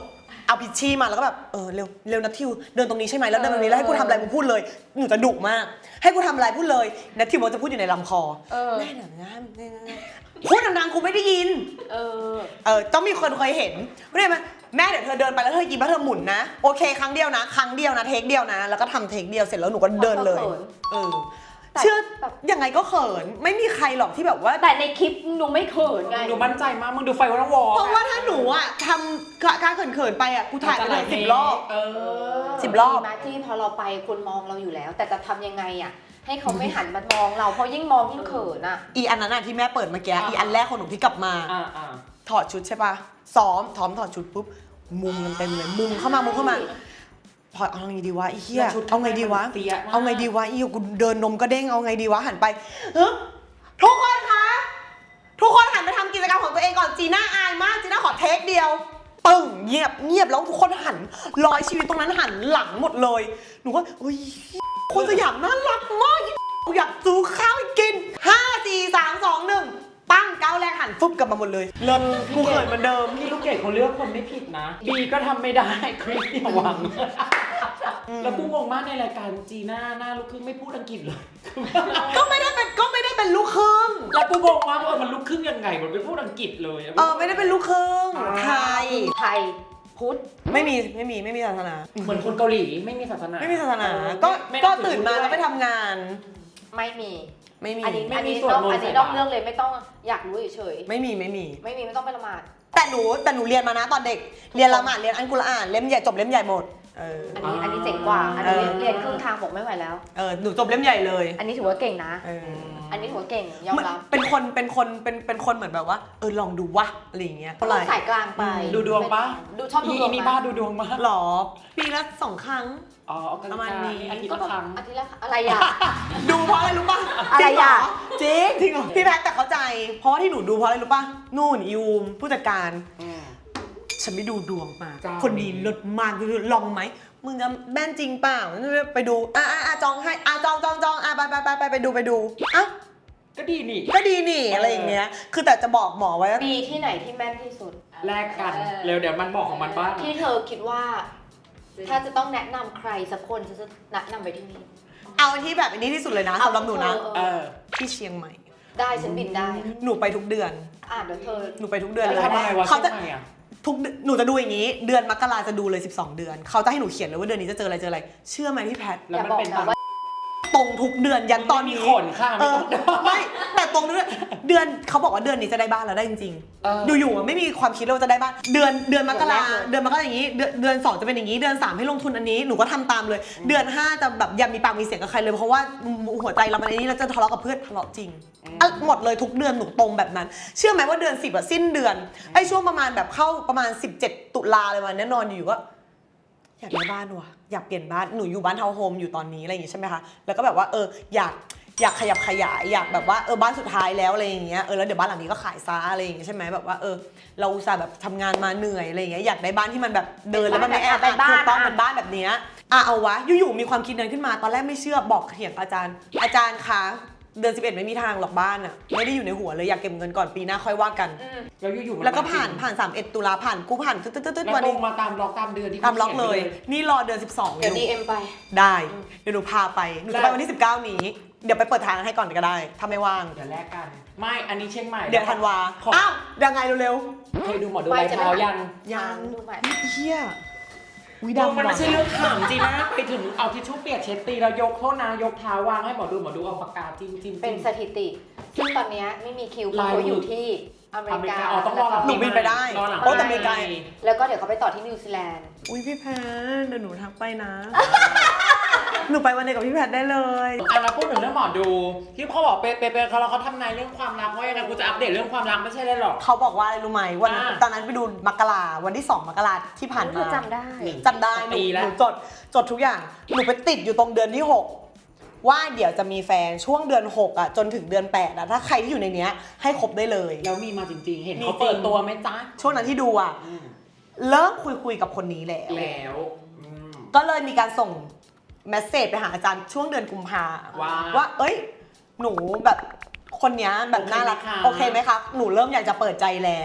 [SPEAKER 1] เอาพิชชี่มาแล้วก็แบบเออเร็วเร็วนัททิวเดินตรงนี้ใช่ไหมแล้วเดินตรงนี้แล้วให้กูทำอะไรมึงพูดเลยหนูจะดุมากให้กูทำอะไรพูดเลยนัททิวมันจะพูดอยู่ในลำคอแม่หนังงามพูดดังๆกูไม่ได้ยินเออเออต้องมีคนเคยเห็นไม่ได้ไหมแม่เดี๋ยวเธอเดินไปแล้วเธอยิ้มแล้วเธอหมุนนะโอเคครั้งเดียวนะครั้งเดียวนะเทคเดียวนะแล้วก็ทำเทคเดียวเสร็จแล้วหนูก็เดินเลยเออเชื่อยังไงก็เขินไม่มีใครหรอกที่แบบว่า
[SPEAKER 3] แต่ในคลิปหนูไม่เขินไง
[SPEAKER 2] หนูมั่นใจมากมึงดูไฟวันวอล
[SPEAKER 1] เพราะว่าถ้าหนูอ่ะทำการเขินๆไปอ่ะกูถ่ายไปเลยสิบรอบสิบรอบ
[SPEAKER 3] มาที่พอเราไปคนมองเราอยู่แล้ว แต่จะทำยังไงอ่ะให้เขาไม่หันมามองเราเพราะยิ่งมองยิ่งเขินอ่ะ
[SPEAKER 1] อีอันนั้นอ่ะที่แม่เปิดเมื่อกี้อีอันแรกของหนูที่กลับมาถอดชุดใช่ปะซ้อมถอมถอดชุดปุ๊บมุงกันเต็มเลยมุงเข้ามามุงเข้ามาพอเอาไงดีวะไอ้เหี้ยเอาไงดีวะเอาไงดีวะอีกูเดินนมก็เด้งเอาไงดีวะหันไปเฮ้ยทุกคนคะทุกคนหันไปทำกิจกรรมของตัวเองก่อนจีน่าอายมากจีน่าขอเทคเดียวปึ้งเงียบเงียบแล้วทุกคนหันร้อยชีวิตตรงนั้นหันหลังหมดเลยหนูก็เฮ้ยคนสยามน่ารักมากอยากซื้อข้าวกินห้าสี่สามสองหนึ่งปั้งก้าวแรกหันฟึบกลับมาหมดเลยเริ่มกูเขินเหมือนเดิม
[SPEAKER 2] พี่ลูกเกดเขาเลือกคนไม่ผิดนะบีก็ทำไม่ได้คริสอย่าหวังแล้วกูงงมากในรายการจีน่าหน้าลูกครึ่งไม่พูดอังกฤษเลย
[SPEAKER 1] ก็ไม่ได้เป็นก็ไม่ได้เป็นลูกครึ่ง
[SPEAKER 2] แล้วกูงงมากว่ามันลูกครึ่งยังไงมันไม่พูดอังกฤษเลย
[SPEAKER 1] เออไม่ได้เป็นลูกครึ่งไทย
[SPEAKER 3] ไทยพุทธ
[SPEAKER 1] ไม่มีไม่มีไม่มีศาสนา
[SPEAKER 2] เหมือนคนเกาหลีไม่มีศาสนา
[SPEAKER 1] ไม่มีศาสนาก็ก็ตื่นมาแล้วไปทำงาน
[SPEAKER 3] ไม่มี
[SPEAKER 1] ไม่มี
[SPEAKER 3] อันนี้อันนี้ต้องอันนี้ต้องเรื่องเลยไม่ต้องอยากรู้เฉย
[SPEAKER 1] ไม่มีไม่มี
[SPEAKER 3] ไม่มีไม่ต้องไปละหมาด
[SPEAKER 1] แต่หนูแต่หนูเรียนมานะตอนเด็กเรียนละหมาดเรียนอัลกุรอานเล่มใหญ่จบเล่มใหญ่หมดเออ
[SPEAKER 3] อันนี้อันนี้เจ๋งกว่าอันนี้เรียนครึ่งทางบอกไม่ไหวแล้ว
[SPEAKER 1] เออหนูจบเล่มใหญ่เลย
[SPEAKER 3] อันนี้ถือว่าเก่งนะอันนี้ถือว่าเก่งยอมรับ
[SPEAKER 1] เป็นคนเป็นคนเป็นเป็นคนเหมือนแบบว่าเออลองดูวะอะไรอย่างเงี้ย
[SPEAKER 3] สายกลางไป
[SPEAKER 2] ดูดวงปะ
[SPEAKER 3] ดูชอบดูดวง
[SPEAKER 2] นี่บ้าดูดวงมา
[SPEAKER 1] หรอปีละสองครั้ง
[SPEAKER 2] อ๋อประมาณนี้อาทิตย์ละครั้ง
[SPEAKER 3] อาทิตย์ละอะไรอ่ะ
[SPEAKER 1] ดูเพราะอะไรรู้ป่ะ
[SPEAKER 3] อะไรอ่ะ
[SPEAKER 1] จริงจริงพี่แพทแต่เข้าใจเพราะว่าที่หนูดูเพราะอะไรรู้ป่ะนู่นยูมผู้จัดการฉันไม่ดูดวงมาคนดีลดมากลองไหมมึงจะแม่นจริงเปล่าไปดูอ่ะอ่ะจองให้อ่ะจองจองจองอ่ะไปไปไปไปไปดูไปดูอ่ะ
[SPEAKER 2] ก็ดีนี่
[SPEAKER 1] ก็ดีนี่อะไรอย่างเงี้ยคือแต่จะบอกหมอไว้
[SPEAKER 3] ปีที่ไหนที่แม่นที่สุด
[SPEAKER 2] แลกกันเร็วเดี๋ยวมันบอกของมันบ้าง
[SPEAKER 3] ที่เธอคิดว่าถ้าจะต้องแนะนำใครสักคนฉันจะแนะนำไปที่นี่
[SPEAKER 1] เอาที่แบบอันนี้ที่สุดเลยนะสำหรับหนูนะ
[SPEAKER 2] เออ
[SPEAKER 1] ที่เชียงใหม่
[SPEAKER 3] ได้ฉันบินได้
[SPEAKER 1] หนูไปทุกเดือน
[SPEAKER 3] อ่ะเดี๋ยวเธอ
[SPEAKER 1] หนูไปทุกเดือนเลย
[SPEAKER 2] ทำอะไรวะเขาจะ
[SPEAKER 1] ทุกหนูจะดูอย่างนี้เดือนมกราจะดูเลยสิบสองเดือนเขาจะให้หนูเขียนเลยว่าเดือนนี้จะเจออะไรเจออะไรเชื่อไหมพี่แพท
[SPEAKER 2] แล้วมันเป็น
[SPEAKER 1] ตรงทุกเดือนยันตอนนี้
[SPEAKER 2] มีขนค่ะ
[SPEAKER 1] ไม่แต่ตรงเดือนเดือนเขาบอกว่าเดือนนี้จะได้บ้านแล้วได้จริงๆอยู่ๆไม่มีความคิดว่าจะได้บ้านเดือนเดือนมกราเดือนมกราอย่างนี้เดือนเดือนสองจะเป็นอย่างนี้เดือนสามให้ลงทุนอันนี้หนูก็ทำตามเลยเดือนห้าจะแบบอย่ามีปากมีเสียงกับใครเลยเพราะว่าหัวใจเรามันอันนี้เราจะทะเลาะกับเพื่อนทะเลาะจริงหมดเลยทุกเดือนหนูตรงแบบนั้นเชื่อไหมว่าเดือนสิบอะสิ้นเดือนไอ้ช่วงประมาณแบบเข้าประมาณสิบเจ็ดตุลาเลยวันนี้นอนอยู่ก็อยากได้บ้านว่ะอยากเปลี่ยนบ้านหนูอยู่บ้านทาวน์โฮมอยู่ตอนนี้อะไรอย่างงี้ใช่ไหมคะแล้วก็แบบว่าเอออยากอยากขยับขยายอยากแบบว่าเออบ้านสุดท้ายแล้วอะไรอย่างเงี้ยเออแล้วเดี๋ยวบ้านหลังนี้ก็ขายซะอะไรอย่างเงี้ยใช่ไหมแบบว่าเออเราอุตส่าห์แบบทำงานมาเหนื่อยอะไรอย่างเงี้ยอยากได้บ้านที่มันแบบเดินแล้วมันไม่แออัดถูกต้องเป็นบ้านแบบเนี้ยอ่ะเอาวะอยู่ๆมีความคิดนั้นขึ้นมาตอนแรกไม่เชื่อบอกเถียงอาจารย์อาจารย์คะเดือนสิบเอ็ดไม่มีทางหรอกบ้านอ่ะไม่ได้อยู่ในหัวเลยอยากเก็บเงินก่อนปีหน้าค่อยว่ากัน
[SPEAKER 2] แล้วอยู่ๆ
[SPEAKER 1] แล้วก็ผ่านผ่านสามสิบเอ็ดตุลาผ่านกูผ่านตึ๊ดตึ๊ดตึ๊ด
[SPEAKER 2] วันนี้มาตามล็อกตามเดือนที่
[SPEAKER 1] ตามล็อกเลยนี่รอเดือนสิบสอง
[SPEAKER 3] เดี๋ยว ดี เอ็ม ไป
[SPEAKER 1] ได้เดี๋ยวหนูพาไปหนูจะไปวันที่สิบเก้านี้เดี๋ยวไปเปิดทางให้ก่อนก็ได้ถ้าไม่ว่าง
[SPEAKER 2] เดี๋ยวแลกกันไม่อันนี้เชียงใหม่
[SPEAKER 1] เดี๋ยวธันวาอ้าวยังไงเร็ว
[SPEAKER 2] ๆเคยดูหมอดูใบเท้ายัง
[SPEAKER 1] ยัง
[SPEAKER 3] ดูใหม่
[SPEAKER 1] เฮีย
[SPEAKER 2] วิดามันไม่ใช่เรื่องขำจริงนะไปถึงเอาทิชชู่เปียกเช็ดตีแล้วยกโทษนะยกเท้าวางให้หมอดูหมอดูเอาปากกาจิ้มจิ้ม
[SPEAKER 3] เป็นสถิติซึ่งตอนนี้ไม่มีคิวเพราะเขาอยู่ที่อเมริกา
[SPEAKER 2] อ๋อต้องรอหลัง
[SPEAKER 1] หนูบินไปได้โอ้แต่อเมริกา
[SPEAKER 3] แล้วก็เดี๋ยวเขาไปต่อที่นิวซีแลนด์
[SPEAKER 1] อุ้ยพี่แพทเดี๋ยวหนูทักไปนะหนูไปวันเดียวกับพี่แพทได้เลย
[SPEAKER 2] อ่ะเราพูดถึงเรื่องหมอดูที่เขาบอกเป๊ะๆเขาแล้วเขาทำนายเรื่องความรักว่ายังไงกูจะอัปเดตเรื่องความรักไม่ใช่เลยหรอก
[SPEAKER 1] เขาบอกว่าอะไรรู้ไหมวันตอนนั้นไปดูมกราวันที่สองมกราที่ผ่านมา
[SPEAKER 3] จำได้
[SPEAKER 1] จำได้หนูจดจดทุกอย่างหนูไปติดอยู่ตรงเดือนที่หกว่าเดี๋ยวจะมีแฟนช่วงเดือนหกอ่ะจนถึงเดือนแปดอ่ะถ้าใครที่อยู่ในเนี้ยให้คบได้เลย
[SPEAKER 2] แล้วมีมาจริงๆเห็นเขาเปิดตัวไหมจ๊ะ
[SPEAKER 1] ช่วงนั้นที่ดูอ่ะเริ่มคุยคุยกับคนนี้แล้ว
[SPEAKER 2] แล้ว
[SPEAKER 1] ก็เลยมีการส่งเมสเซจไปหาอาจารย์ช่วงเดือนกุมภาว่าเอ้ยหนูแบบคนนี้แบบน่ารักโอเคไหมคะหนูเริ่มอยากจะเปิดใจแล้ว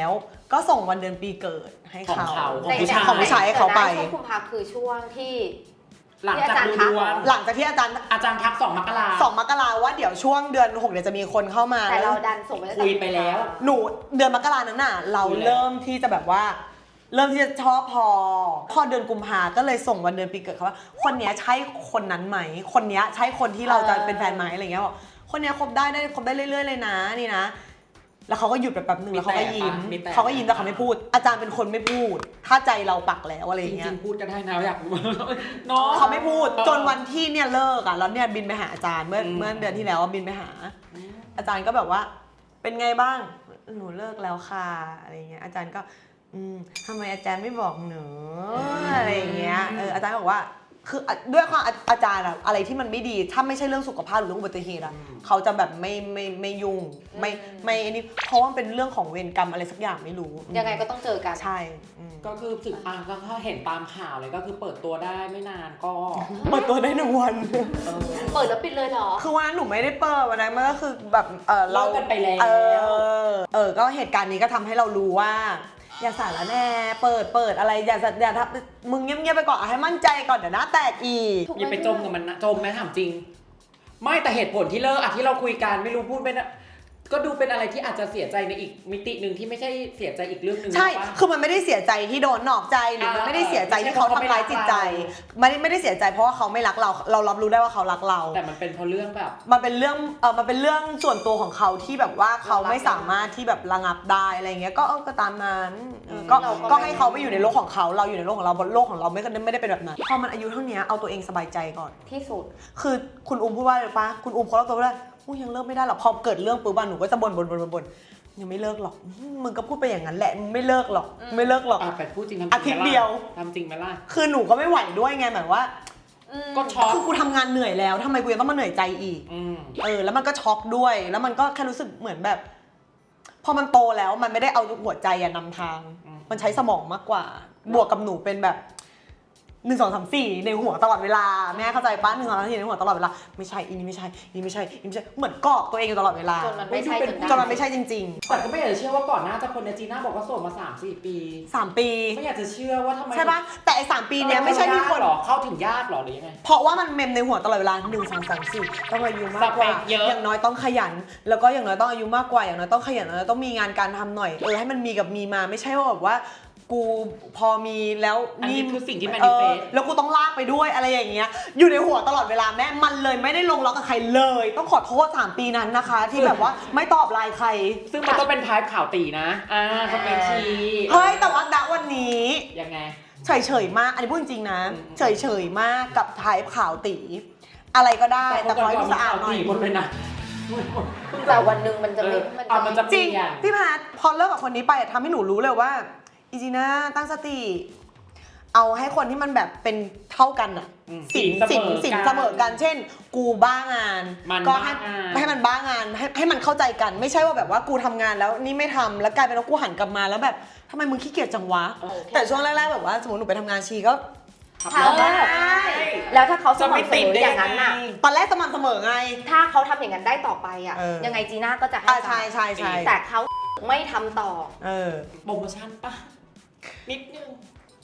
[SPEAKER 1] ก็ส่งวันเดือนปีเกิดให้
[SPEAKER 2] ของ
[SPEAKER 1] เขา
[SPEAKER 2] เขาของ
[SPEAKER 3] ใน
[SPEAKER 2] ผู้ชาย
[SPEAKER 1] ของผู้ชายให้เขาไป
[SPEAKER 3] ช่วงกุมภาคือช่วงที่
[SPEAKER 2] หลังจาก
[SPEAKER 3] ที่อาจารย์ทัก
[SPEAKER 2] ดูดวง
[SPEAKER 1] หลังจากที่อาจารย์
[SPEAKER 2] อาจารย์ทักสองมกรา
[SPEAKER 1] สองมกราว่าเดี๋ยวช่วงเดือนหกเดี๋ยวจะมีคนเข้ามา
[SPEAKER 3] แต่เราดันส่งไปตั้งแต่
[SPEAKER 2] คุยไปแล้ว
[SPEAKER 1] หนูเดือนมกรานั้นน่ะ เรา
[SPEAKER 2] คุยแล้ว
[SPEAKER 1] เริ่มที่จะแบบว่า เริ่มที่จะชอบพอ พอเดือนกุมภาก็เลยส่งวันเดือนปีเกิดเขาว่า คนเนี้ยใช่คนนั้นไหม คนเนี้ยใช่คนที่เราจะเป็นแฟนไหมอะไรเงี้ยบอกคนเนี้ยคบได้ได้คบได้เรื่อยๆเลยนะนี่นะ แล้วเขาก็หยุดไปแป๊บนึงแล้วเขาก็ยิ้ม
[SPEAKER 2] มีแต่
[SPEAKER 1] เขาก็ยิ้มแต่เขาไม่พูด อาจารย์เป็นคนไม่พูด ถ้าใจเราปักแล้วอะไร
[SPEAKER 2] จ
[SPEAKER 1] อย่างเงี้
[SPEAKER 2] ริ
[SPEAKER 1] ย
[SPEAKER 2] งๆพูดก็ได้นะอยากรู้เนาะ
[SPEAKER 1] เขาไม่พูดจนวันที่เนี่ยเลิกอ่ะแล้วเนี่ยบินไปหาอาจารย์เมื่อ
[SPEAKER 2] อืม
[SPEAKER 1] เมื่อเดือนที่แล้วบินไปหา อาจารย์ก็แบบว่า เป็นไงบ้างหนูเลิกแล้วค่ะอะไรเงี้ยอาจารย์ก็ อืมทำไมอาจารย์ไม่บอกหนูอะไรอย่างเงี้ยเอออาจารย์บอกว่าคือด้วยความอาอาจารย์อะอะไรที่มันไม่ดีถ้าไม่ใช่เรื่องสุขภาพหรือเรื่องอุบัติเหตุอะเขาจะแบบไม่ไม่ไม่ยุ่งไม่ไม่อันนี้เพราะว่ามันเป็นเรื่องของเวรกรรมอะไรสักอย่างไม่รู้
[SPEAKER 3] ยังไงก็ต้องเจอกัน
[SPEAKER 1] ใช่อืม
[SPEAKER 2] ก็คือสึกอ่ะก็ถ้าเห็นตามข่าวเลยก็คือเปิดตัวได้ไม่นานก็
[SPEAKER 1] เปิดตัวได้หนึ่งวัน
[SPEAKER 2] เออ
[SPEAKER 3] เปิดแล้วปิดเลยเหรอ
[SPEAKER 1] คือวันนั้นหนูไม่ได้เปิดวันนั้นมันก็คือแบบเออเรา
[SPEAKER 2] เลิกกันไปแล้ว
[SPEAKER 1] เออเออก็เหตุการณ์นี้ก็ทำให้เรารู้ว่า อย่าสารแน่เปิดเปิดอะไรอย่าอย่าทำมึงเงียบๆไปก่อนเอาให้มั่นใจก่อนเดี๋ยวหน้าแตกอีก
[SPEAKER 2] อย่าไปจมกับมันนะจมไหมถามจริง ไม่แต่เหตุผลที่เลิกอ่ะที่เราคุยกันไม่รู้พูดเป็นอะก็ดูเป็นอะไรที่อาจจะเสียใจในอีกมิติหนึ่งที่ไม่ใช่เสียใจอีกเรื่องหนึ่ง
[SPEAKER 1] ใช่
[SPEAKER 2] ปะ
[SPEAKER 1] คือมันไม่ได้เสียใจที่โดนนอกใจหรือมัน
[SPEAKER 2] อ่า
[SPEAKER 1] ไม่ได้เสียใจที่เขา
[SPEAKER 2] ไม่ใช่เพราะ
[SPEAKER 1] ทำร้ายจิตใจ
[SPEAKER 2] เขาไม่รักเรา
[SPEAKER 1] ไม่ได้ไม่ได้เสียใจเพราะว่าเขาไม่รักเรา เรารับรู้ได้ว่าเขารักเรา
[SPEAKER 2] แต่มันเป็นเพราะเรื่องแบบ
[SPEAKER 1] มันเป็นเรื่องเออมันเป็นเรื่องส่วนตัวของเขาที่แบบว่าเขาไม่สามารถที่แบบระงับได้อะไรเงี้ย ก็เออก็ตามนั้นเออก็
[SPEAKER 3] เราก็
[SPEAKER 1] ก็ให้เขาไปอยู่ในโลกของเขา เราอยู่ในโลกของเราบนโลกของเราไม่ไม่ได้เป็นแบบนั้น พอมันอายุเท่านี้เอาตัวเองสบายใจก่อน
[SPEAKER 3] ที่สุด
[SPEAKER 1] คือคุณอุ้มพูดว่าอะไรปะคุณอุ้มเขาเล่าตัวว่าอู้ยังเลิกไม่ได้หรอก พอเกิดเรื่องปุ๊บอะหนูก็จะบ่นบ่นบ่นบ่นบ่นยังไม่เลิกหรอก มึงก็พูดไปอย่างนั้นแหละ มึงไม่เลิกหรอก ไม่เลิกหรอก
[SPEAKER 2] อ่ะแต่พูดจริงทำจริง
[SPEAKER 1] อาทิตย์
[SPEAKER 2] ไหมล่ะ
[SPEAKER 1] เดียว
[SPEAKER 2] ทำจริงไหมล่ะ
[SPEAKER 1] คือหนูก็ไม่ไหวด้วยไงหมายว่า
[SPEAKER 2] ก็ช็อก
[SPEAKER 1] คือกูทำงานเหนื่อยแล้วทำไมกูยังต้องมาเหนื่อยใจอีก
[SPEAKER 2] อืม
[SPEAKER 1] เออ แล้วมันก็ช็อกด้วย แล้วมันก็แค่รู้สึกเหมือนแบบ พอมันโตแล้วมันไม่ได้เอาหัวใจอะนำทาง
[SPEAKER 2] อืม
[SPEAKER 1] มันใช้สมองมากกว่า บวกกับหนูเป็นแบบหนึ่งสองสามสี่ในหัวตลอดเวลาแม่เข้าใจป้าหนึ่งสองสามสี่ในหัวตลอดเวลาไม่ใช่อีนี่ไม่ใช่อีนี่ไม่ใช่อีนี่ไม่ใช่เหมือนกรอกตัวเองอยู่ตลอดเวลา
[SPEAKER 3] จนมันไม่ใช่จนได้
[SPEAKER 1] จนมันไม่ใช่จริง
[SPEAKER 2] แต่ก็ไม่อยากจะเชื่อว่าก่อนหน้าจะคนในจีน่าบอกว่าโสดมาสามสี่ปี
[SPEAKER 1] ๆสามปี
[SPEAKER 2] ไม่อยากจะเชื่อว่าทำไม
[SPEAKER 1] ใช่ปะแต่ไอ้สามปีเนี้ยไม่ใช่มีคน
[SPEAKER 2] หรอเข้าถึงยากหรอหรือยังไง
[SPEAKER 1] เพราะว่ามันเมมในหัวตลอดเวลาหนึ่งสองสามสี่ต้องอายุมากกว่า
[SPEAKER 2] สเปคเยอะ
[SPEAKER 1] อย่างน้อยต้องขยัน แล้วก็อย่างน้อยต้องอายุมากกว่าอย่างน้อยต้องขยันแล้วต้องมีงานการทำหน่อยเออให้มันมีกับมีมาไม่ใช่ว่าแบบว่า กูพอมีแล้ว
[SPEAKER 2] อันนี้คือสิ่งที่
[SPEAKER 1] เออ
[SPEAKER 2] manifest
[SPEAKER 1] แล้วกูต้องลากไปด้วยอะไรอย่างเงี้ยอยู่ในหัวตลอดเวลาแม่มันเลยไม่ได้ลงล็อกกับใครเลย ต้องขอโทษสามปีนั้นนะคะ ที่แบบว่าไม่ตอบไลน์ใคร
[SPEAKER 2] ซึ่งมันต้องเป็นพายข่าวตีนะ อ่าสเปคชี
[SPEAKER 1] เฮ้ยแต่ว่าณวันนี้
[SPEAKER 2] ยังไง
[SPEAKER 1] เฉยเฉยๆมากอันนี้พูดจริงๆนะ
[SPEAKER 2] อืม
[SPEAKER 1] เฉยเฉยๆมากกับไทป์ข่าวตี อะไรก็ได้แต่ขอให้ดูสะอาดหน่อย
[SPEAKER 2] คนเลยนะ
[SPEAKER 3] แต่วันหนึ่งมันจะไม่
[SPEAKER 2] เอออ่ะมันจะ
[SPEAKER 1] จริง
[SPEAKER 2] เปลี่ยน
[SPEAKER 1] พี่แพทพอเลิกกับคนนี้ไปอะทำให้หนูรู้เลยว่าอีจีน่าตั้งสติ เอาให้คนที่มันแบบเป็นเท่ากันอะ
[SPEAKER 2] อืม
[SPEAKER 1] สิน
[SPEAKER 2] สิ
[SPEAKER 1] สิ
[SPEAKER 2] น
[SPEAKER 1] น
[SPEAKER 2] เสมอกัน
[SPEAKER 1] สินเสมอกัน เช่น กูบ้างาน
[SPEAKER 2] มัน
[SPEAKER 1] ก็ให้
[SPEAKER 2] บ้างาน
[SPEAKER 1] ให้มันบ้างานให้ให้มันเข้าใจกัน ไม่ใช่ว่าแบบว่ากูทำงานแล้วนี่ไม่ทำแล้วกลายเป็นว่ากูหันกลับมาแล้วแบบทำไมมึงขี้เกียจจังวะ แต่ช่วงแรกๆแบบว่าสมมติหนูไปทำงานชีก็
[SPEAKER 2] ขับ
[SPEAKER 3] ถาร ม
[SPEAKER 2] ถ
[SPEAKER 3] ว่า
[SPEAKER 2] ได้
[SPEAKER 3] แล้วถ้าเขาส
[SPEAKER 2] จะไม่
[SPEAKER 3] ม่ำเส
[SPEAKER 2] ติด
[SPEAKER 3] มอ
[SPEAKER 2] ได้
[SPEAKER 3] อย่างนั้นน่ะ
[SPEAKER 2] ไง
[SPEAKER 1] ตอนแรกสม่ำเสมอไง
[SPEAKER 3] ถ้าเขาทำอย่างนั้นได้ต่อไปอ่ะ
[SPEAKER 1] เออ
[SPEAKER 3] ยังไงจีน่าก็จะให้
[SPEAKER 1] อ่าใช่ใช่ใช่
[SPEAKER 3] แต่เขาไม่ทำต่อ
[SPEAKER 1] เออ
[SPEAKER 2] โปรโมชั่นปะนิดนึง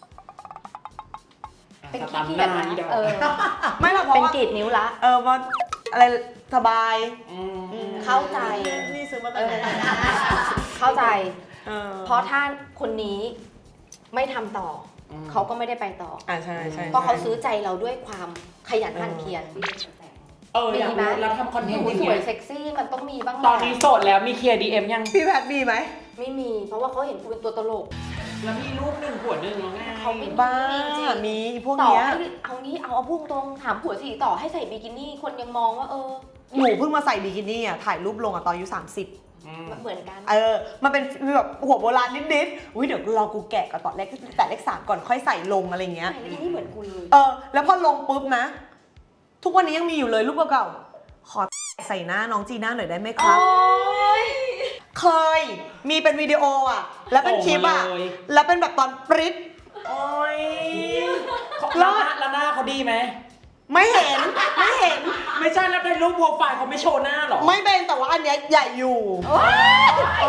[SPEAKER 3] เป็น
[SPEAKER 2] สตัน
[SPEAKER 3] ขี้
[SPEAKER 2] ห
[SPEAKER 3] เกียจ
[SPEAKER 2] น้า
[SPEAKER 3] นะ
[SPEAKER 2] นี่ดอก
[SPEAKER 3] เออ
[SPEAKER 1] ไม่หรอกเพราะ
[SPEAKER 3] เป็น
[SPEAKER 1] ว่าก
[SPEAKER 3] รีดนิ้วละ
[SPEAKER 1] เออว่าอะไรสบาย
[SPEAKER 2] ม
[SPEAKER 3] เข้าใจ
[SPEAKER 1] นี่ซื้อมา
[SPEAKER 3] เอ
[SPEAKER 1] ตั้ง
[SPEAKER 3] อ
[SPEAKER 1] แต่
[SPEAKER 3] เข้าใจ
[SPEAKER 1] เออ
[SPEAKER 3] เพราะถ้าคนนี้ไม่ทำต่ออเขาก็ไม่ได้ไปต่อ
[SPEAKER 1] อ่าใช่ใช่
[SPEAKER 3] เพราะเขาซื้อใจเราด้วยความขยันหมั่นเพียร
[SPEAKER 2] เอออยากรู้แล้วทำคอนเทนต์
[SPEAKER 3] หนู
[SPEAKER 2] อย่าง
[SPEAKER 3] ส
[SPEAKER 2] เงี้
[SPEAKER 3] วย
[SPEAKER 2] ย
[SPEAKER 3] เซ็กซี่มันต้องมีบ้างแหละ
[SPEAKER 2] ตอนนี้โสดแล้วมีเคลียร์ดีเอ็มยัง
[SPEAKER 1] พี่แพทมีไหม
[SPEAKER 3] ไม่มี เพราะว่าเขาเห็นกูเป็นตัวตลก
[SPEAKER 2] แล้วมีรูปหนึ่งหัวหนึ่งแล้วไง
[SPEAKER 3] เขาไม่
[SPEAKER 1] บ้า
[SPEAKER 3] จริง
[SPEAKER 1] มีพวก
[SPEAKER 3] ต่อ
[SPEAKER 1] เนี้ย
[SPEAKER 3] ให้เอางี้เอาเอาพุ่งตรงถามผัวสิต่อให้ใส่บิกินี่คนยังมองว่าเออ
[SPEAKER 1] หนูเพิ่งมาใส่บิกินี่อ่ะถ่ายรูปลงอ่ะตอนอายุสามสิบ
[SPEAKER 2] อืม
[SPEAKER 3] มันเหมือนกัน
[SPEAKER 1] เออมันเป็นแบบหัวโบราณนิดๆอุ้ยเดี๋ยวรอกูแกะก่อนตอนแรกแต่เลขสามก่อนค่อยใส่ลงอะไรเงี้ย
[SPEAKER 3] ใส่บิกินี่เหมือนกูเลย
[SPEAKER 1] เออแล้วพอลงปุ๊บนะ ทุกวันนี้ยังมีอยู่เลยรูปเก่าๆขอใส่หน้าน้องจีน่าหน่อยได้ไหมครับ เคยมีเป็นวิดีโออ่ะ แล้วเป็นคลิปอ่ะ
[SPEAKER 2] ส่งมาเลย
[SPEAKER 1] แล้วเป็นแบบตอนปริ๊ด
[SPEAKER 2] โอ้ยแล้วหน้าแล้วหน้าเขาดีไหม
[SPEAKER 1] ไม่เห็นไม่เห็น
[SPEAKER 2] ไม่ใช่แล้วในรูปโปรไฟล์เขาไม่โชว์หน้าหรอ
[SPEAKER 1] ไม่เป็นแต่ว่าอันเนี้ยใหญ่อยู่
[SPEAKER 3] ว้าย
[SPEAKER 1] เออ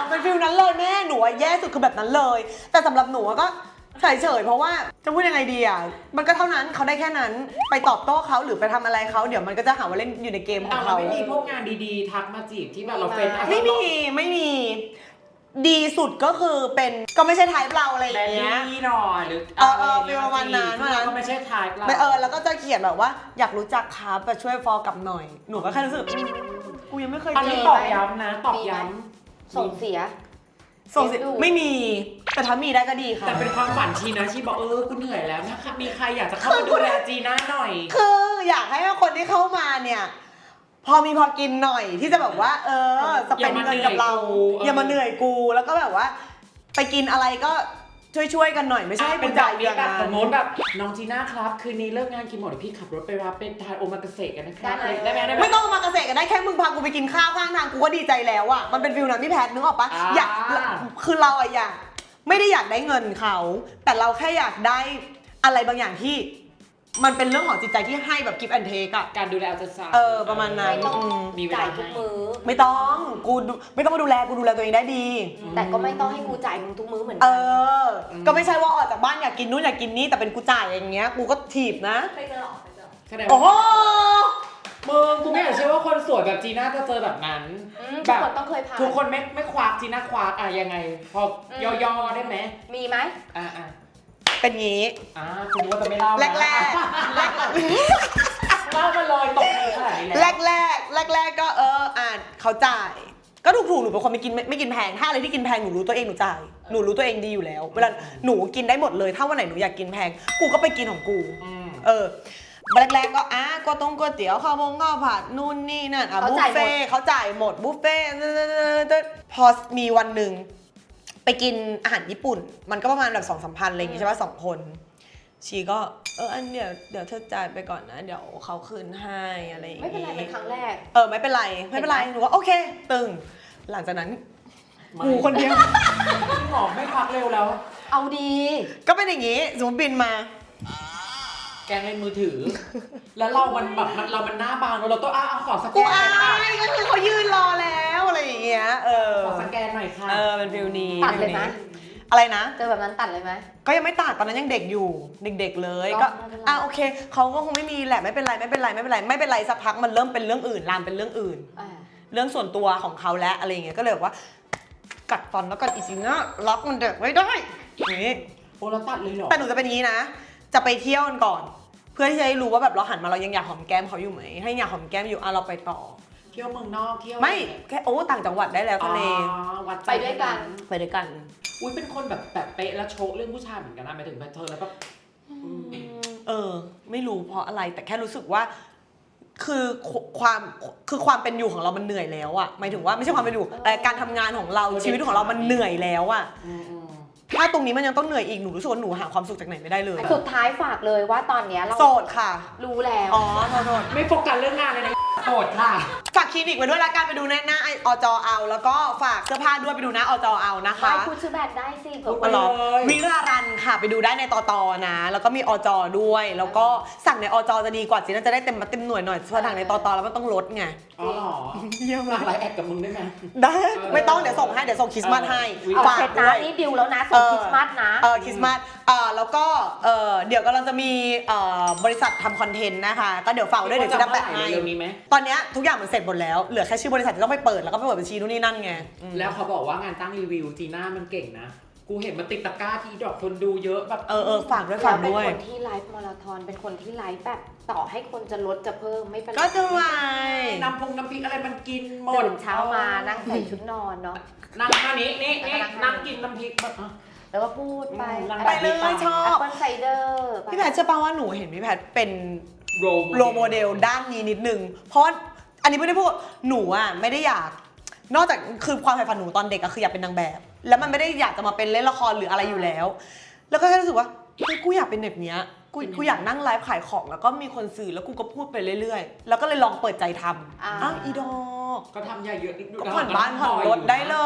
[SPEAKER 1] เป็นฟิลนั้นเลยแม่หนูอะแย่สุดคือแบบนั้นเลย แต่สำหรับหนูอะก็เฉยๆเพราะว่าจะพูดยังไงดีอ่ะมันก็เท่านั้นเขาได้แค่นั้นไปตอบโต้เขาหรือไปทำอะไรเขาเดี๋ยวมันก็จะหาว่าเล่นอยู่ในเกมของ
[SPEAKER 2] แต่มัน
[SPEAKER 1] เขา
[SPEAKER 2] ไม่มีพวกงานดีๆ ทักมาจีบที่แบบเราเป็น
[SPEAKER 1] ไม่มีไม่มีดีสุดก็คือเป็นก็ไม่ใช่ไทป์เราอะไรอ
[SPEAKER 2] แบ
[SPEAKER 1] ย่าง
[SPEAKER 2] ล
[SPEAKER 1] เงี้ย
[SPEAKER 2] ลี่หน่อยหรือ
[SPEAKER 1] เออเออฟีลประมาณนั้น
[SPEAKER 2] ซึ่งเราก็ไม่ใช่ทายเรา
[SPEAKER 1] ไม่เออแล้วก็จะเขียนแบบว่าอยากรู้จักครับแต่ช่วยฟอลกลับหน่อยหนูก็แค่รู้สึกอืมกูยังไม่เคย
[SPEAKER 2] อัน
[SPEAKER 1] เจ
[SPEAKER 2] นี้
[SPEAKER 1] อ
[SPEAKER 2] ตอกย้ำนะตอกย้
[SPEAKER 3] ส่งเสีย
[SPEAKER 1] ส่งสิไม่มีแต่ถ้ามีได้ก็ดี
[SPEAKER 2] ำ
[SPEAKER 1] ค่ะ
[SPEAKER 2] แต่เป็นความฝันชีนะชีบอกเออกูเหนื่อยแล้วนะคะมีใครอยากจะเข้ามาดูแลจีน่าหน่อย
[SPEAKER 1] คืออยากให้คนที่เข้ามาเนี่ยพอมีพอกินหน่อยที่จะแบบว่า เออสเปนเงินกับเราอย่ามาเหนื่อยกูแล้วก็แบบว่า ไปกินอะไรก็ช่วยๆกันหน่อยไม่ใช่ให้
[SPEAKER 2] เป็
[SPEAKER 1] กู
[SPEAKER 2] น
[SPEAKER 1] จ่าย
[SPEAKER 2] แบบ
[SPEAKER 1] อ
[SPEAKER 2] นี้
[SPEAKER 1] ย่าง
[SPEAKER 2] แบบ
[SPEAKER 1] นั้
[SPEAKER 2] ส
[SPEAKER 1] น
[SPEAKER 2] มมติแบบน้องจีน่าครับคืนนี้เลิกงานกี่โมงเดี๋ยวพี่ขับรถไปรับเป็นทานโอมากาเสะกันนะครับ
[SPEAKER 3] ได้เลย
[SPEAKER 2] ได้ไหมได้ไหม
[SPEAKER 1] ไม่ต้องมาเกษตรกันได้แค่มึงพากูไปกินข้าวข้างทางกูก็ดีใจแล้วอ่ะมันเป็นฟิลนั้นพี่แพทนึกออกปะ
[SPEAKER 2] อ่า
[SPEAKER 1] อยากคือเราอะอยากไม่ได้อยากได้เงินเขา แต่เราแค่อยากได้อะไรบางอย่างที่ มันเป็นเรื่องของจิตใจที่ให้แบบกิฟต์แอนเทคอะ
[SPEAKER 2] การดูแลเอาใจใส่
[SPEAKER 1] เออประมาณนั้น
[SPEAKER 3] ไม่ต้อง
[SPEAKER 1] อืม
[SPEAKER 2] มีเว
[SPEAKER 3] จ่า
[SPEAKER 2] ลาย
[SPEAKER 3] ทุก
[SPEAKER 2] ให้
[SPEAKER 3] มื้อ
[SPEAKER 1] ไม่ต้องกูดูไม่ต้องมาดูแลกูดูแลตัวเองได้ดี
[SPEAKER 3] แต่ก็ไม่ต้องให้กูจ่ายมึงทุกมื้อเหมือน
[SPEAKER 1] เอ
[SPEAKER 3] กัน
[SPEAKER 1] อ ก็ไม่ใช่ว่าออกจากบ้านอยากกินนู่นอยากกินนี่แต่เป็นกูจ่ายอย่างเงี้ยกูก็ถีบนะ
[SPEAKER 3] เคยเจอหรอเคยเจอ
[SPEAKER 2] แสดง
[SPEAKER 1] โอ้โห
[SPEAKER 2] มึงกูไม่อยากเชื่อว่าคนสวยแบบจีน่าจะเจอแบบนั้น
[SPEAKER 3] อืม
[SPEAKER 2] แบ
[SPEAKER 3] ทุก
[SPEAKER 2] บ
[SPEAKER 3] คนต้องเคยผ่าน
[SPEAKER 2] ทุกคนไม่ไม่ควักจีน่าควักอะยังไง พอย่อๆได้ไหม
[SPEAKER 3] มีไหม
[SPEAKER 2] อ่าอ่า
[SPEAKER 1] เป็นงี้
[SPEAKER 2] อ่าคุณว่าจะไม่เล่านะ
[SPEAKER 1] แรกแรกแรก
[SPEAKER 2] เล่ามาเลยตกมือขนาดนี้
[SPEAKER 1] แร
[SPEAKER 2] แล้ว
[SPEAKER 1] กแรกแรกแรกๆก็เอออ่านเขาจ่าย ก็ถูกถูกๆหนูเป็นคนไม่กินไม่ไม่กินแพงถ้าอะไรที่กินแพงหนูรู้ตัวเองหนูจ่ายหนูรู้ตัวเองดีอยู่แล้ว เวลาหนูกินได้หมดเลยถ้าวันไหนหนูอยากกินแพงกูก็ไปกินของกู
[SPEAKER 2] อืม
[SPEAKER 1] เออแรกๆก็อ่ะก็ต้องก๋วยเตี๋ยวข้าวมงข้าวผัดนู่นนี่นั่นอ่ะบุฟเฟ่ต์เขาจ่ายหมดบุฟเฟ่ต์พอมีวันหนึ่งไปกินอาหารญี่ปุ่น มันก็ประมาณแบบสองสามพันอะไรอย่างงี้ใช่ป่ะสองคนชีก็เอออันเดี๋ยวเดี๋ยวเธอจ่ายไปก่อนนะเดี๋ยวเขาคืนให้อะไรอย่าง
[SPEAKER 3] ไม่
[SPEAKER 1] งี้
[SPEAKER 3] เป็นไรเป็นครั้งแรก
[SPEAKER 1] เออไม่เป็นไรไม่เป็นไรหนูว่าโอเค ตึง หลังจากนั้น
[SPEAKER 2] ไม่
[SPEAKER 1] กูคนเดียว
[SPEAKER 2] จริงเหรอไม่ควักเร็วแล้ว
[SPEAKER 3] เอาดี
[SPEAKER 1] ก็เป็นอย่างงี้สมมติบินมา
[SPEAKER 2] แกงเล่นมือถือ แล้วเรามันแบบมันเรามันหน้าบางเราต้องอ้าขอสแก
[SPEAKER 1] กู
[SPEAKER 2] นหน่
[SPEAKER 1] อา
[SPEAKER 2] อยค่ะ
[SPEAKER 1] ยก็คือเขายืนรอแล้วอะไรอย่างเงี้ยเออ
[SPEAKER 2] ขอสแกนหน่อยค่ะ
[SPEAKER 1] เออเป็นฟิลนี้
[SPEAKER 3] ตัดเลยไหม
[SPEAKER 1] อะไรนะ
[SPEAKER 3] เจอแบบนั้นตัดเลยไหม
[SPEAKER 1] ก็ยังไม่ตัดตอนนั้นยังเด็กอยู่เด็ก ๆ เลย
[SPEAKER 3] ก็
[SPEAKER 1] ก็
[SPEAKER 3] ไม่เป็นไร
[SPEAKER 1] อ่ะโอเคเขาก็คงไม่มีแหละไม่เป็นไรไม่เป็นไรไม่เป็นไรไม่เป็นไรสักพักมันเริ่มเป็นเรื่องอื่นลามเป็นเรื่องอื่น
[SPEAKER 3] อ่า
[SPEAKER 1] เรื่องส่วนตัวของเขาแล้วอะไรอย่างเงี้ยก็เลยบอกว่า กัดฟันแล้วกันอีสินะล็อกมันเด็กไว้ได้อย่างงี้
[SPEAKER 2] โอ้เราตัดเลยเหรอ
[SPEAKER 1] แต่หนูจะเป็นอย่างนี้นะ จะไปเที่ยวกันก่อน เพื่อที่จะได้รู้ว่าแบบเราหันมาเรายังอยากหอมแก้มเขาอยู่ไหมให้อยากหอมแก้มอยู่อ่ะเราไปต่อ
[SPEAKER 2] เที่ยวเมืองนอกเที่ยว
[SPEAKER 1] ไม่แค่โอ้ต่างจังหวัดได้แล้ว
[SPEAKER 2] อ๋อ
[SPEAKER 1] ทะเล
[SPEAKER 2] วัดใจ
[SPEAKER 3] ไปด้วยกัน
[SPEAKER 1] ไปด้วยกัน
[SPEAKER 2] อุ้ยเป็นคนแบบแบบเป๊ะแล้วโชว์เรื่องผู้ชายเหมือนกันนะหมายถึงแบบเธอแล้วแบบอืม
[SPEAKER 1] เออ ไม่รู้เพราะอะไรแต่แค่รู้สึกว่า คือความคือความเป็นอยู่ของเรามันเหนื่อยแล้วอะหมายถึงว่าไม่ใช่ความเป็นอยู่แต่การทำงานของเราชีวิตของเรามันเหนื่อยแล้วอะ
[SPEAKER 2] อืมอืม
[SPEAKER 1] ถ้าตรงนี้มันยังต้องเหนื่อยอีกหนูรู้สึกว่าหนูหาความสุขจากไหนไม่ได้เลย
[SPEAKER 3] สุดท้ายฝากเลยว่าตอนเนี้ยเรา
[SPEAKER 1] โสดค่ะ
[SPEAKER 3] รู้แล้ว
[SPEAKER 1] อ๋อโทษโทษ
[SPEAKER 2] ไม่โฟกัสเรื่องงานเลยนะโสดค่ะ
[SPEAKER 1] ฝากคลินิกไว้ด้วยละกันไปดูหน้าหน้าอจเอา แล้วก็ฝากเสื้อผ้าด้วยไปดูหน้าอจเอานะคะ
[SPEAKER 3] ไม่พูดชื่อแบรนด์ได้สิเผื่อ
[SPEAKER 2] พู
[SPEAKER 3] ค
[SPEAKER 2] ด
[SPEAKER 3] น
[SPEAKER 2] ไป
[SPEAKER 1] หรอ
[SPEAKER 2] เลย
[SPEAKER 1] วิรารันค่ะไปดูได้ในตอตอนะ แล้วก็มีอจด้วย แล้วก็สั่งในอจจะดีกว่าจีน่าจะได้เต็มมาเต็มหน่วยหน่อยเพราะสั่งในตอตอแล้วมันต้องลดไง
[SPEAKER 2] อ๋อเหรอ
[SPEAKER 1] เยี่ยม
[SPEAKER 2] หลั
[SPEAKER 1] มาก
[SPEAKER 2] ไลน์แอดกับมึงได้ไหม
[SPEAKER 1] ได้ไม่ต้องเดี๋ยวส่งให้เดี๋ยวส่งคริสต์มาสให้
[SPEAKER 2] เออ
[SPEAKER 3] เอา
[SPEAKER 1] ฝาก
[SPEAKER 3] เสร็จ
[SPEAKER 1] ด้
[SPEAKER 3] นะ
[SPEAKER 1] วย
[SPEAKER 3] นี่ดิวแล้วนะส่งคริสต์มาสนะ
[SPEAKER 1] เออคริสต์มาสเออแล้วก็เออเดี๋ยวกำลังจะมีเอ่อบริษัททำคอนเทนต์นะคะ ก็เดี๋ยวฝากไว้ด้วยเดี๋ยวจะแปะให้
[SPEAKER 2] เร็วนี้ไหม
[SPEAKER 1] ตอนเนี้ยทุกอย่างมันเสร็จหมดแล้วเหลือแค่ชื่อบริษัทที่ต้องไปเปิดแล้วก็ไปเปิดบัญชีนู่นนี่นั่นไงอืม
[SPEAKER 2] แล้วเขาบอกว่างานตั้งรีวิวจีน่ามันเก่งนะ กูเห็นมันติดตะกร้าที่ดอกคนดูเยอะแบบ
[SPEAKER 1] เออเออฝากด้วย
[SPEAKER 3] เรา
[SPEAKER 1] ฝาก
[SPEAKER 3] เป็น
[SPEAKER 1] ด้วย
[SPEAKER 3] คนที่ไลฟ์มาราธอนเป็นคนที่ไลฟ์แบบต่อให้คนจะลดจะเพิ่มไม่เป็นไร
[SPEAKER 1] ก็จะไว
[SPEAKER 2] น้ำพงน้ำพริกอะไรมันกินหมด
[SPEAKER 3] ตื่นเช้ามานั่งใส่ชุดนอนเนาะ
[SPEAKER 2] นั่งท่านี้นี่นี่
[SPEAKER 3] แล้วก็นั่
[SPEAKER 2] นั่ง
[SPEAKER 3] ง
[SPEAKER 2] กินน้ำพริกแบบอ่ะ
[SPEAKER 3] แล้วก็พูดไป
[SPEAKER 2] อืม
[SPEAKER 1] ไปเลยชอบ
[SPEAKER 3] แอปเปิลไซเดอร์
[SPEAKER 1] พี่แพทย์เชื่อป่ะว่าหนูเห็นพี่แพทย์เป็น
[SPEAKER 2] โร
[SPEAKER 1] โรโมเดลด้านนี้นิดนึง เพราะว่าอันนี้ไม่ได้พูดหนูอ่ะไม่ได้อยาก นอกจากคือความใฝ่ฝันหนูตอนเด็กอะคืออยากเป็นนางแบบ แล้วมันไม่ได้อยากจะมาเป็นเล่นละครหรืออะไรอยู่แล้ว แล้วก็แค่รู้สึกว่าเฮ้ยกูอยากเป็นแบบเนี้ยกูกูอยากนั่งไลฟ์ขายของแล้วก็มีคนซื้อแล้วกูก็พูดไปเรื่อยๆ แล้วก็เลยลองเปิดใจทำอ้าวอีดอก
[SPEAKER 2] ก็ทำใหญ่เยอะนิด
[SPEAKER 1] ก็ผ่อนบ้านผ่อนรถได้เลย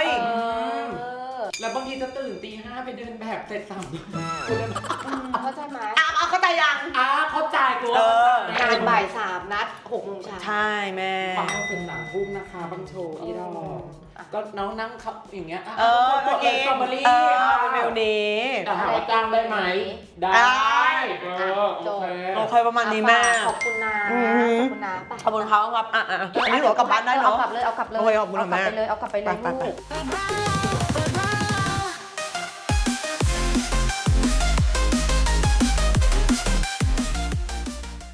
[SPEAKER 3] เออ
[SPEAKER 2] แล้วบางทีจะตื่นตีห้าไปเดินแบบเสร็จสาม
[SPEAKER 3] เข้าใจไหม
[SPEAKER 1] อ่ะเอาเข้าใจยัง
[SPEAKER 2] อ้าเข้าใจกู
[SPEAKER 1] เออ
[SPEAKER 3] งานบ่ายสามนัดหกโมงเช้า
[SPEAKER 1] ใช่แม่
[SPEAKER 2] ฟังเสร็จสามทุ่มนะคะบางโชว์อีดอก
[SPEAKER 3] อ่ะ
[SPEAKER 2] ก็น้องนั่งเขาอย่างเงี้ย
[SPEAKER 1] เออ
[SPEAKER 2] ก็
[SPEAKER 1] เมื่อ
[SPEAKER 2] เอ
[SPEAKER 1] กี้
[SPEAKER 2] สตรอเบอรี่
[SPEAKER 1] เออเป็นเมลนี้
[SPEAKER 2] แต่ถามว่าจ้างได้ไหม ได้
[SPEAKER 1] ได้
[SPEAKER 2] เออโอเค
[SPEAKER 1] โอเคประมาณนี้แม่
[SPEAKER 3] ขอบคุณนะ
[SPEAKER 1] อืม
[SPEAKER 3] ขอบคุณนะไป
[SPEAKER 1] ขอบคุณเขาครับอ่ะอ่ะอันนี้หนูเอากลับบ้านได้เนาะ
[SPEAKER 3] เอากลับเลยเอากลับเลย
[SPEAKER 1] โอเคขอบคุณค่ะ
[SPEAKER 3] เอากลับ
[SPEAKER 1] แม่
[SPEAKER 3] ไปเลยเอากลับไปเลย
[SPEAKER 1] ไปไปไป
[SPEAKER 3] ลูก